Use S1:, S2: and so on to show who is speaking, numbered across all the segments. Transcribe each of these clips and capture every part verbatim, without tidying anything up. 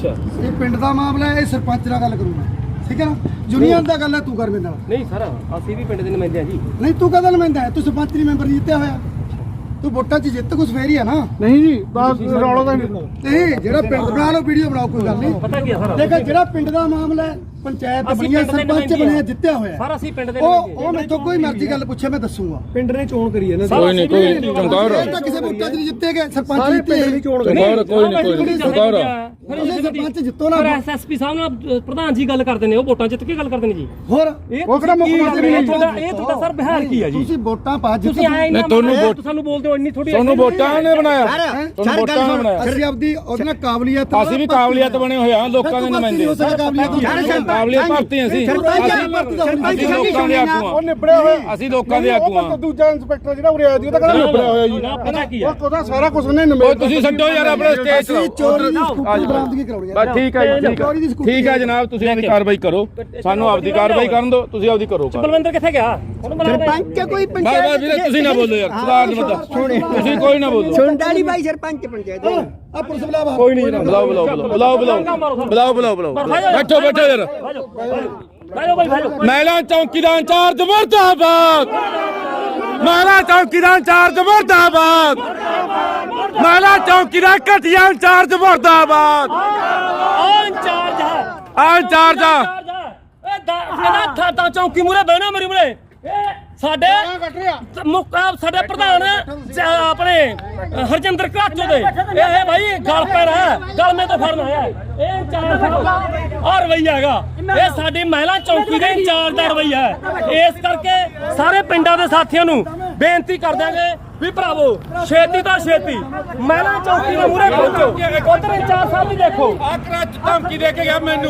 S1: ਅੱਛਾ
S2: ਇਹ ਪਿੰਡ ਦਾ ਮਾਮਲਾ ਹੈ, ਇਹ ਸਰਪੰਚ ਨਾਲ ਗੱਲ ਕਰੂੰਗਾ ਠੀਕ ਹੈ ਨਾ। ਯੂਨੀਅਨ ਦਾ ਗੱਲ ਹੈ, ਤੂੰ ਕਰ ਮੇਰੇ ਨਾਲ।
S1: ਨਹੀਂ ਸਰ ਅਸੀਂ ਵੀ ਪਿੰਡ ਦੇ ਨੁਮਾਇੰਦੇ ਆ ਜੀ।
S2: ਨਹੀਂ ਤੂੰ ਕਹਦਾ ਨੁਮਾਇੰਦਾ ਹੈ, ਤੂੰ ਸਰਪੰਚ ਨਹੀਂ ਮੈਂਬਰ ਜਿੱਤਿਆ ਹੋਇਆ, ਤੂੰ ਵੋਟਾਂ 'ਚ ਜਿੱਤ ਕੁਛ ਫੇਰ ਹੀ ਆ ਨਾ।
S3: ਨਹੀਂ ਜੀ ਬਸ ਰੌਲਾ ਤਾਂ ਨਹੀਂ।
S2: ਤੇ ਜਿਹੜਾ ਪਿੰਡ ਬਣਾ ਲਓ, ਵੀਡੀਓ ਬਣਾਓ, ਕੋਈ ਗੱਲ ਨਹੀਂ।
S1: ਪਤਾ ਕੀ ਆ ਸਰ,
S2: ਦੇਖੋ ਜਿਹੜਾ ਪਿੰਡ ਦਾ ਮਾਮਲਾ ਹੈ, ਪੰਚਾਇਤ ਬਣੀ ਹੈ, ਸਰਪੰਚ ਬਣਿਆ, ਜਿੱਤਿਆ ਹੋਇਆ
S1: ਸਰ ਅਸੀਂ ਪਿੰਡ ਦੇ
S2: ਉਹ ਉਹ ਮੈਥੋਂ ਕੋਈ ਮਰਜ਼ੀ ਗੱਲ ਪੁੱਛੇ ਮੈਂ ਦੱਸੂਗਾ।
S3: ਪਿੰਡ ਨੇ ਚੋਣ ਕਰੀ ਹੈ ਨਾ।
S1: ਕੋਈ ਨਹੀਂ ਕੋਈ
S4: ਚੰਗੌਰ
S2: ਇਹ ਤਾਂ ਕਿਸੇ ਵੋਟਾਂ 'ਚ ਨਹੀਂ ਜਿੱਤੇ ਗਏ, ਸਰਪੰਚ
S3: ਸਾਰੇ
S2: ਜਿੱਤੇ
S3: ਪਿੰਡ ਦੀ ਚੋਣ ਕਰੀ।
S4: ਚੰਗੌਰ ਕੋਈ ਨਹੀਂ ਕੋਈ ਨਹੀਂ ਚੰਗੌਰ
S2: ਤੁਸੀਂ ਸਰਪੰਚ ਜਿੱਤੋ ਨਾ।
S1: ਪਰ ਐਸਐਸਪੀ ਸਾਹਿਬ ਨਾਲ ਪ੍ਰਧਾਨ ਜੀ ਗੱਲ ਕਰਦੇ ਨੇ, ਉਹ ਵੋਟਾਂ ਜਿੱਤ ਕੇ ਗੱਲ ਕਰਦੇ ਨੇ ਜੀ।
S2: ਹੋਰ
S3: ਉਹ ਕਿਹੜਾ ਮੁੱਖ ਮੰਤਰੀ
S1: ਇਹ ਤੁਹਾਡਾ ਇਹ ਤੁਹਾਡਾ ਸਰ ਬਿਹਾਰ ਕੀ ਆ ਜੀ?
S2: ਤੁਸੀਂ ਵੋਟਾਂ ਪਾ ਜਿੱਤ
S1: ਤੁਸੀਂ ਆਏ ਨਾ
S4: ਤੁਹਾਨੂੰ ਵੋਟ
S1: ਸਾਨੂੰ ਬੋਲਦੇ ਹੋ ਇੰਨੀ ਥੋੜੀ
S4: ਤੁਹਾਨੂੰ ਵੋਟਾਂ ਨੇ ਬਣਾਇਆ, ਤੁਹਾਨੂੰ ਵੋਟਾਂ ਨੇ ਬਣਾਇਆ।
S2: ਅਸੀਂ ਆਪਦੀ ਉਹਦੇ ਨਾਲ ਕਾਬਲੀਅਤ
S4: ਅਸੀਂ ਵੀ ਕਾਬਲੀਅਤ ਬਣੇ ਹੋਏ ਹਾਂ, ਲੋਕਾਂ ਦੇ ਨੁਮਾਇੰਦੇ। ਕਾਬਲੀਅਤ ਭਰਤੀ ਅਸੀਂ ਅਸੀਂ ਲੋਕਾਂ ਦੇ ਆਗੂ
S3: ਉਹ ਨਿਬੜਿਆ ਹੋਇਆ।
S4: ਅਸੀਂ ਲੋਕਾਂ ਦੇ ਆਗੂ ਹਾਂ।
S3: ਦੂਜਾ ਇੰਸਪੈਕਟਰ ਜਿਹੜਾ ਉਰੇ ਆਇਆ ਸੀ ਉਹ ਤਾਂ ਕਹਿੰਦਾ ਨਿਬੜਿਆ ਹੋਇਆ ਜੀ।
S1: ਪਤਾ ਕੀ ਆ,
S3: ਉਹ ਉਹਦਾ ਸਾਰਾ ਕੁਝ ਉਹਨੇ
S4: ਉਹ
S3: ਨਿਬੇੜ
S4: ਤੁਸੀਂ ਛੱਡੋ ਯਾਰ ਆਪਣੇ ਸਟੇਜ
S2: ਅਸੀਂ ਚੋਰੀ ਦੀ ਸਕੂਟਰ ਬਰਾਮਦਗੀ ਕਰਾਉਣੀ ਹੈ।
S4: ਬਸ ਠੀਕ ਹੈ ਜੀ, ਠੀਕ ਹੈ ਠੀਕ ਹੈ ਜਨਾਬ, ਤੁਸੀਂ ਆਪਣੀ ਕਾਰਵਾਈ ਕਰੋ, ਸਾਨੂੰ ਆਪਦੀ ਕਾਰਵਾਈ ਕਰਨ ਦਿਓ, ਤੁਸੀਂ ਆਪਦੀ ਕਰੋ।
S1: ਬਲਵਿੰਦਰ ਕਿੱਥੇ ਗਿਆ? ਉਹਨੂੰ ਬੁਲਾ ਦੇ।
S5: ਸਰਪੰਚ ਕੋਈ
S4: ਬਸ
S5: ਪੰਚਾਇਤ
S4: ਬਸ ਵੀਰੇ ਤੁਸੀਂ ਨਾ ਬੋਲੋ ਯਾਰ, ਸਵਾਲ ਨਹੀਂ ਪਤਾ, ਤੁਸੀਂ ਕੋਈ ਨਾ ਬੋਲੋ।
S5: ਸੁਣਦਾ ਨਹੀਂ ਬਾਈ ਸਰਪੰਚ ਪੰਚਾਇਤ
S2: ਆ ਪੁਲਿਸ ਬੁਲਾਵਾ।
S4: ਕੋਈ ਨਹੀਂ ਜਨਾਬ, ਬੁਲਾਓ ਬੁਲਾਓ ਬੁਲਾਓ ਬੁਲਾਓ ਬੁਲਾਓ ਬੁਲਾਓ ਬੁਲਾਓ ਬੈਠੋ ਬੈਠੋ ਯਾਰ।
S1: ਭਾਜੋ ਭਾਈ ਭਾਜੋ।
S4: ਮਹਿਲਾ ਚੌਕੀ ਦਾ ਇੰਚਾਰਜ ਮੁਰਦਾਬਾਦ, ਮਹਿਲਾ ਚੌਕੀ ਦਾ ਇੰਚਾਰਜ ਮੁਰਦਾਬਾਦ, ਮਹਿਲਾ ਚੌਕੀ ਦਾ ਘਟੀਆ ਇੰਚਾਰਜ ਮੁਰਦਾਬਾਦ।
S1: ਆ ਇੰਚਾਰਜ ਹੈ,
S4: ਆ ਇੰਚਾਰਜ ਆ
S1: ਇਹ ਦਾ ਥਾਂ ਚੌਕੀ ਮੂਰੇ ਬਹਿਣਾ ਮੇਰੀ ਮੂਰੇ। ਇਹ ਸਾਡੇ ਮੁੱਖ ਸਾਡੇ ਪ੍ਰਧਾਨ ਆਪਣੇ ਹਰਜਿੰਦਰ ਘਾਟੋ ਦੇ ਇਹ ਭਾਈ ਗਲ ਪੈਣਾ, ਗਲਮੇ ਤੋਂ ਫੜਨਾ ਹੈ। ਇਹ ਇੰਚਾਰਜ ਆ ਰਵਈਆ ਹੈਗਾ, ਇਹ ਸਾਡੀ ਮਹਿਲਾ ਚੌਕੀ ਦੇ ਇੰਚਾਰਜ ਦਾ ਰਵਈਆ ਹੈ। ਇਸ ਕਰਕੇ ਸਾਰੇ ਪਿੰਡਾਂ ਦੇ ਸਾਥੀਆਂ ਨੂੰ ਬੇਨਤੀ ਕਰ ਦਿਆਂਗੇ ਵੀ ਭਰਾਵੋ ਛੇਤੀ ਤੋਂ ਛੇਤੀ ਮਹਿਲਾ ਚੌਕੀ ਦੇ ਮੂਹਰੇ ਪਹੁੰਚੋ। ਉਧਰ ਇੰਚਾਰਜ ਸਾਹਿਬ ਵੀ ਦੇਖੋ,
S4: ਆ ਕਰਾਚ ਧਮਕੀ ਦੇ ਕੇ ਗਿਆ ਮੈਨੂੰ।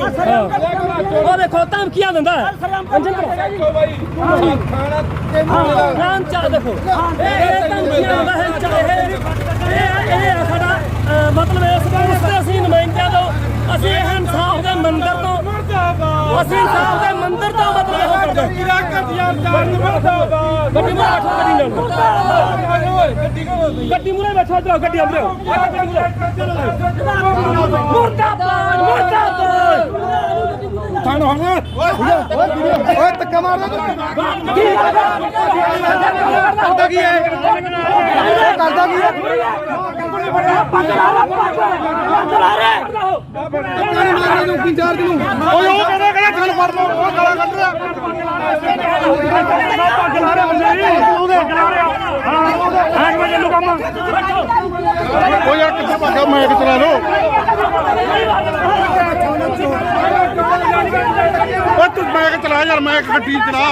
S1: ਉਹ ਦੇਖੋ ਧਮਕੀਆਂ ਦਿੰਦਾ ਨਾਮ ਚਾਹ ਦੇਖੋ, ਇਹ ਧਮਕੀਆਂ ਦਿੰਦਾ ਹੈ। ਇਹ ਇਹ ਸਾਡਾ ਮਤਲਬ ਇਸ ਵਾਸਤੇ ਅਸੀਂ ਨੁਮਾਇੰਦਿਆਂ ਤੋਂ, ਅਸੀਂ ਇਹ ਇਨਸਾਫ ਦੇ ਮੰਦਰ ਤੋਂ, ਅਸੀਂ ਇਨਸਾਫ ਦੇ ਮੰਦਰ ਤੋਂ ਮਤਲਬ ਇਹ ਕਰਦੇ ਹਾਂ। ਗੱਡੀ ਮੂਹਰੇ ਗੱਡੀ ਮੂਹਰੇ ਬੈਠੋ, ਇਧਰ ਗੱਡੀ ਅੰਦਰ ਮੁਰਦਾਬਾਦ ਮੁਰਦਾਬਾਦ।
S4: ਸਾਨੂੰ ਹੁਣ
S2: ਓਏ ਧੱਕਾ ਮਾਰਦਾ ਤੂੰ।
S3: ਕਰਦਾ ਕੀ ਹੈ
S2: ਕਰਦਾ ਕੀ ਹੈ? ਇੰਚਾਰਜ ਨੂੰ
S3: ਓਏ ਉਹ ਕਹਿੰਦਾ ਕਹਿੰਦਾ ਗੱਲ ਫੜ ਲਓ, ਉਹ ਗਾਲਾਂ ਕੱਢ ਰਿਹਾ। ਪੱਗ ਲਾ ਰਿਹਾ ਬੰਦੇ ਜੀ ਉਹਦੇ ਹਾਂ ਅੱਜ ਵਜੇ ਨੂੰ ਕੰਮ। ਓ ਯਾਰ ਕਿੱਥੇ ਭੱਜਾ, ਮੈਂ ਕਿ ਚਲਾ ਲਓ। ਓ ਤੂੰ ਮੈਂ ਕਿ ਚਲਾ ਯਾਰ, ਮੈਂ ਗੱਡੀ ਚਲਾ।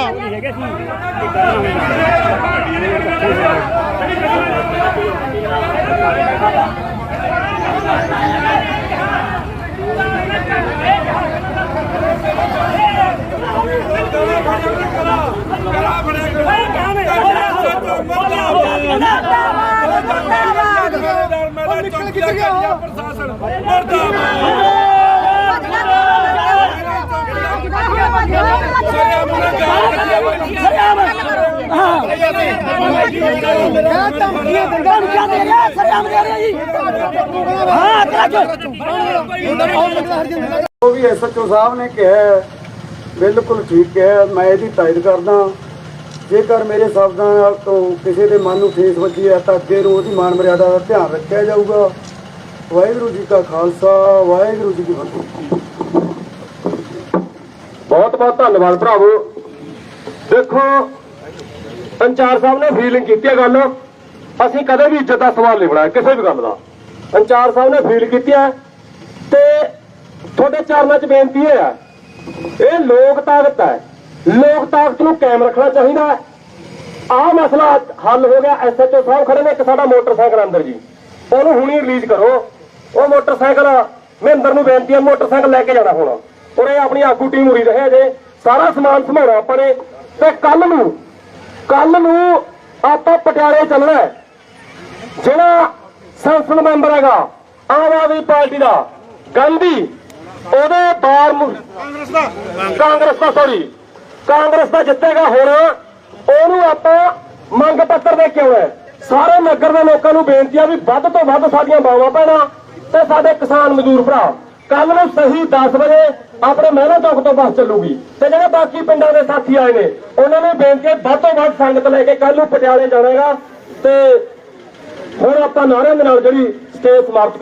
S6: ਉਹ ਵੀ ਐਸਐਚਓ ਸਾਹਿਬ ਨੇ ਕਿਹਾ ਬਿਲਕੁਲ ਠੀਕ ਹੈ, ਮੈਂ ਇਹਦੀ ਤਾਇਦ ਕਰਦਾ। ਜੇਕਰ ਮੇਰੇ ਸ਼ਬਦਾਂ ਨਾਲ ਤੋਂ ਕਿਸੇ ਦੇ ਮਨ ਨੂੰ ਠੇਸ ਵੱਜੀ ਹੈ ਤਾਂ ਅੱਗੇ ਨੂੰ ਉਹਦੀ ਮਾਨ ਮਰਿਆਦਾ ਦਾ ਧਿਆਨ ਰੱਖਿਆ ਜਾਊਗਾ। ਵਾਹਿਗੁਰੂ ਜੀ ਕਾ ਖਾਲਸਾ, ਵਾਹਿਗੁਰੂ ਜੀ ਕੀ ਫਤਿਹ।
S7: ਬਹੁਤ ਬਹੁਤ ਧੰਨਵਾਦ ਭਰਾਵੋ। ਦੇਖੋ ਇੰਚਾਰਜ ਸਾਹਿਬ ਨੇ ਫੀਲਿੰਗ ਕੀਤੀ ਹੈ ਗੱਲ, ਅਸੀਂ ਕਦੇ ਵੀ ਇੱਜ਼ਤ ਦਾ ਸਵਾਲ ਨਹੀਂ ਬਣਾਇਆ ਕਿਸੇ ਵੀ ਗੱਲ ਦਾ। ਇੰਚਾਰਜ ਸਾਹਿਬ ਨੇ ਫੀਲ ਕੀਤੀ ਹੈ ਤੇ ਤੁਹਾਡੇ ਚਰਨਾਂ 'ਚ ਬੇਨਤੀ ਇਹ ਹੈ, ਇਹ ਲੋਕ ਤਾਕਤ ਹੈ, ਲੋਕ ਤਾਕਤ ਨੂੰ ਕਾਇਮ ਰੱਖਣਾ ਚਾਹੀਦਾ ਹੈ। ਆਹ ਮਸਲਾ ਹੱਲ ਹੋ ਗਿਆ। ਐਸਐਚਓ ਸਾਹਿਬ ਖੜੇ ਨੇ, ਇੱਕ ਸਾਡਾ ਮੋਟਰਸਾਈਕਲ ਅੰਦਰ ਜੀ, ਉਹਨੂੰ ਹੁਣੀ ਰਿਲੀਜ਼ ਕਰੋ। ਉਹ ਮੋਟਰਸਾਈਕਲ ਮਹਿੰਦਰ ਨੂੰ ਬੇਨਤੀ ਹੈ, ਮੋਟਰਸਾਈਕਲ ਲੈ ਕੇ ਜਾਣਾ ਹੁਣ। ਉਰੇ ਆਪਣੀ ਆਗੂ ਟੀਮ ਉਰੀ ਰਹੇ ਜੇ, ਸਾਰਾ ਸਮਾਨ ਸੰਭਾਲਣਾ ਆਪਾਂ ਨੇ। ਤੇ ਕੱਲ ਨੂੰ ਕੱਲ ਨੂੰ ਆਪਾਂ ਪਟਿਆਲੇ ਚੱਲਣਾ ਹੈ। ਜਿਹੜਾ ਸੰਸਦ ਮੈਂਬਰ ਹੈਗਾ ਆਮ ਆਦਮੀ ਪਾਰਟੀ ਦਾ ਗਾਂਧੀ, ਉਹਦੇ ਬਾਰ ਕਾਂਗਰਸ ਦਾ ਕਾਂਗਰਸ ਦਾ ਸੌਰੀ ਕਾਂਗਰਸ ਦਾ ਜਿੱਤੇਗਾ ਹੁਣ, ਉਹਨੂੰ ਆਪਾਂ ਮੰਗ ਪੱਤਰ ਦੇ ਕੇ ਆਉਣਾ। ਸਾਰੇ ਨਗਰ ਦੇ ਲੋਕਾਂ ਨੂੰ ਬੇਨਤੀ ਆ ਵੀ ਵੱਧ ਤੋਂ ਵੱਧ ਸਾਡੀਆਂ ਬਾਵਾਂ ਭੈਣਾਂ ਤੇ ਸਾਡੇ ਕਿਸਾਨ ਮਜ਼ਦੂਰ ਭਰਾ ਕੱਲ ਨੂੰ ਸਹੀ ਦਸ ਵਜੇ ਆਪਣੇ ਮਹਿਲਾ ਚੌਕ ਤੋਂ ਬੱਸ ਚੱਲੂਗੀ ਤੇ ਜਿਹੜੇ ਬਾਕੀ ਪਿੰਡਾਂ ਦੇ ਸਾਥੀ ਆਏ ਨੇ ਉਹਨਾਂ ਨੂੰ ਬੇਨਤੀ ਹੈ ਵੱਧ ਤੋਂ ਵੱਧ ਸੰਗਤ ਲੈ ਕੇ ਕੱਲ ਨੂੰ ਪਟਿਆਲੇ ਜਾਣਾਗਾ ਤੇ ਹੁਣ ਆਪਾਂ ਨਾਰਿਆਂ ਦੇ ਨਾਲ ਜਿਹੜੀ ਸਟੇਜ ਸਮਾਪਤ